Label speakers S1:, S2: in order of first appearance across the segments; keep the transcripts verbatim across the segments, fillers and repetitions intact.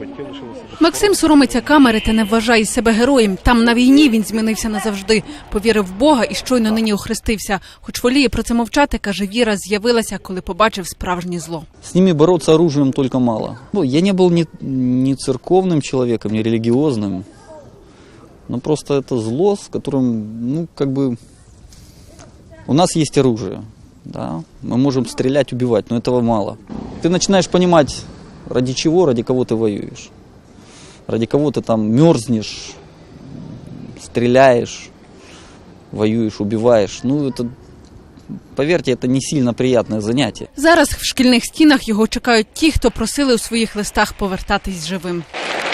S1: Максим соромиться камери та не вважає себе героєм. Там на війні він змінився назавжди. Повірив в Бога і щойно нині охрестився. Хоч воліє про це мовчати, каже, віра з'явилася, коли побачив справжнє зло.
S2: С ними бороться оружием только мало. Я не был ни, ни церковным человеком, ни религиозным. Но просто это зло, с которым, ну, как бы... У нас есть оружие, да? Мы можем стрелять, убивать, но этого мало. Ты начинаешь понимать, ради чего, ради кого ты воюешь. Ради кого ты там мерзнешь, стреляешь, воюешь, убиваешь. Ну, это, поверьте, это не сильно приятное занятие.
S1: Зараз в шкільних стінах його чекають ті, хто просили у своїх листах повертатись живим.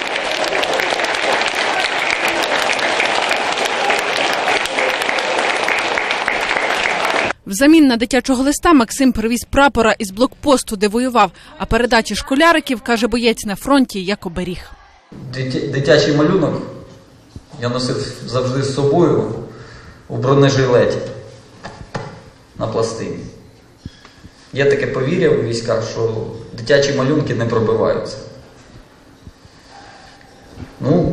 S1: Взамін на дитячого листа Максим привіз прапора із блокпосту, де воював, а передачі школяриків, каже боєць, на фронті як оберіг.
S2: Дитячий малюнок я носив завжди з собою у бронежилеті на пластині. Є таке повір'я у військах, що дитячі малюнки не пробиваються. Ну,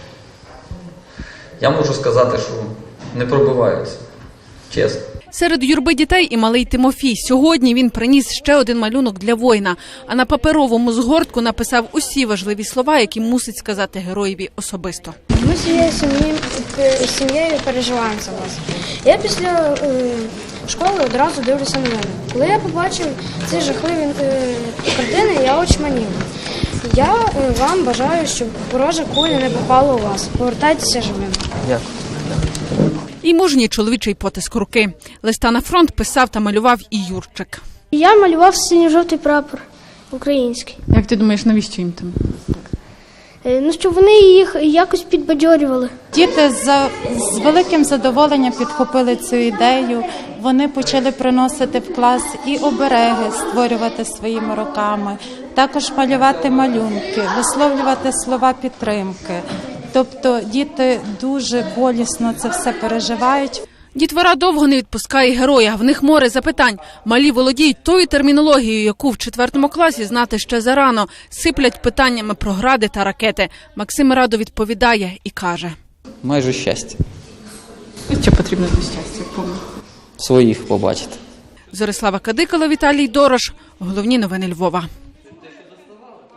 S2: я можу сказати, що не пробиваються, чесно.
S1: Серед юрби дітей і малий Тимофій. Сьогодні він приніс ще один малюнок для воїна, а на паперовому згортку написав усі важливі слова, які мусить сказати героєві особисто.
S3: Ми з сім'єю переживаємо за вас. Я після е, школи одразу дивлюся новини. Коли я побачив ці жахливі е, картини, я очманів. Я е, вам бажаю, щоб ворожа куля не попала у вас. Повертайтеся живим.
S2: Дякую.
S1: І мужній чоловічий потиск руки. Листа на фронт писав та малював і Юрчик.
S3: Я малював синьо-жовтий прапор український.
S1: Як ти думаєш, навіщо їм там?
S3: Ну, щоб вони їх якось підбадьорювали.
S4: Діти з, з великим задоволенням підхопили цю ідею. Вони почали приносити в клас і обереги, створювати своїми руками, також малювати малюнки, висловлювати слова підтримки. Тобто діти дуже болісно це все переживають.
S1: Дітвора довго не відпускає героя. В них море запитань. Малі володіють тою термінологією, яку в четвертому класі знати ще зарано. Сиплять питаннями про гради та ракети. Максим радо відповідає і каже.
S2: Майже щастя.
S1: Що потрібно для щастя?
S2: Своїх побачити.
S1: Зорислава Кадикала, Віталій Дорош. Головні новини Львова.